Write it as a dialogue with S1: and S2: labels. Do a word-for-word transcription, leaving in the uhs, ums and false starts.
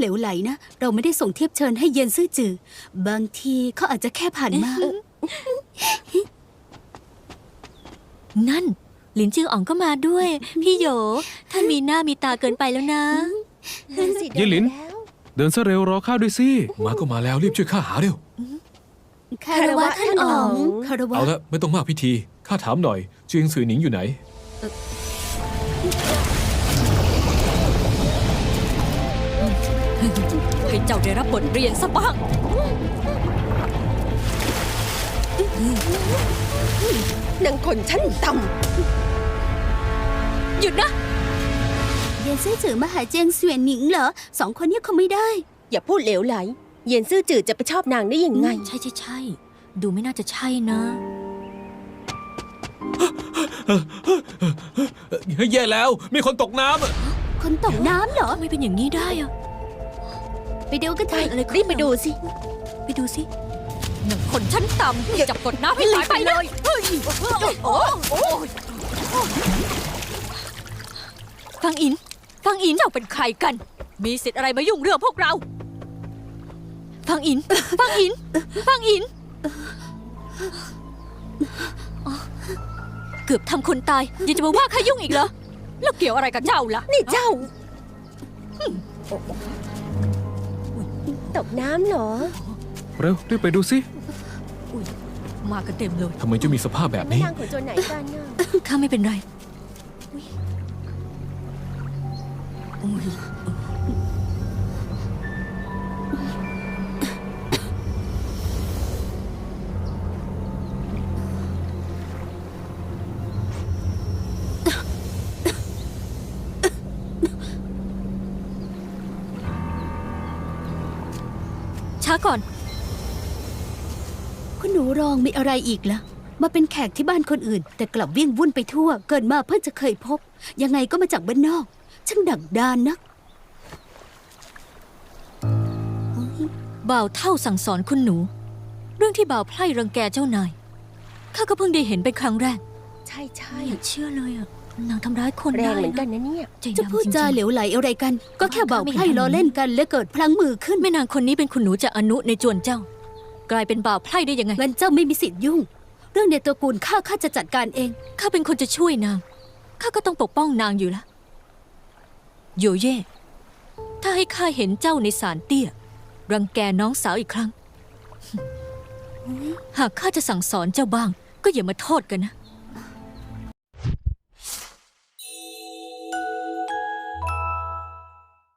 S1: เหลวไหลนะเราไม่ได้ส่งเทียบเชิญให้เย็นซื่อจือบางทีเขาอาจจะแค่ผ่านมา
S2: นั่นหลินจืออ๋องก็มาด้วย พี่โหยท่านมีหน้ามีตาเกินไปแล้วนะ
S3: เย่หลิน เดินซะเร็วรอข้าด้วยสิ
S4: มาก็มาแล้วรีบช่วยข้าหาเร็ว
S1: คารวะท่านอ๋องคารวะ
S4: เอาละไม่ต้องมากพิธีข้าถามหน่อยเจียงซือหนิงอยู่ไหน
S2: ให้เจ้าได้รับบทเรียนซะบ้าง
S5: นางคนชั้นต่
S2: หยุดนะ
S1: เย็นซื่อจือมาหาเจียงเสวียนหนิงเหรอสองคนนี้เขาไม่ได้
S5: ำอย่าพูดเหลวไหล เย็นซื่อจืดจะไปชอบนางได้ยังไง
S2: ใช่ใช่ใช่ดูไม่น่าจะใช่นะ
S4: แย่แล้วมีคนตกน้ำอะ
S1: คนตกน้ำเหรอ
S2: ทำไมเป็นอย่างนี้ได้อะ
S1: ไปดูกันเถ
S5: ไป
S1: อะ
S2: อะไรขึ้น
S5: รีบไปดูสิ
S2: ไปดูสิหนึ่งคนชั้นต่ำจับกดน้ำให้ตายไปเลยเฮ้ยโอ้โอ้ฟังอิน ฟังอินเจ้าเป็นใครกัน มีสิทธิ์อะไรมายุ่งเรื่องพวกเรา ฟังอิน ฟังอิน ฟังอินอ๋อเกือบทำคนตายยังจะมาว่าข้ายุ่งอีกเหรอ แล้วเกี่ยวอะไรกับเจ้าล่ะ
S5: นี่เจ้า ตกน้ำเหรอ
S3: เร็วรีบไปดูสิ
S2: อุ๊ยมากันเต็มเลย
S4: ทำไมจะมีสภาพแบบ
S5: แม่
S4: นี้
S5: นางของโจรไหนกันน่ะ
S2: ข้าไม่เป็นไรอุ๊ยอุ๊ยช้าก่อน
S1: คุณหนูรองมีอะไรอีกล่ะ มาเป็นแขกที่บ้านคนอื่น แต่กลับวิ่งวุ่นไปทั่ว เกิดมาเพิ่งจะเคยพบ ยังไงก็มาจากบ้านนอก ช่างดักดานนัก
S2: บ่าวเท่าสั่งสอนคุณหนู เรื่องที่บ่าวไพร่รังแกเจ้านายข้าก็เพิ่งได้เห็นเป็นครั้งแรก
S5: ใช่ใช่
S2: ไม่อยากเชื่อเลยอ่ะนางทำร้ายคน
S5: แร
S2: ได้
S5: งเหมือนกัน
S2: นะ
S5: นะเนี่ย
S2: ใจ
S1: จะ
S2: ดำ
S1: พูด
S2: จริง
S1: จาเหลวไหลอะไรกัน ก็แค่เบาไพร่ล้อเล่นกันและเกิดพลั้งมือขึ้น
S2: ๆแม่นางคนนี้เป็นคุณหนูจากอนุในจวนเจ้า กลายเป็นบ่าวไพร่ได้ยังไง
S1: งั้นเจ้าไม่มีสิทธิ์ยุ่ง เรื่องในตระกูลข้าข้าจะจัดการเอง
S2: ข้าเป็นคนจะช่วยนางข้าก็ต้องปกป้องนางอยู่ละโยเย่ถ้าให้ข้าเห็นเจ้าในศาลเตี้ย รังแกน้องสาวอีกครั้ง หากข้าจะสั่งสอนเจ้าบ้าง ก็อย่ามาโทษกันนะ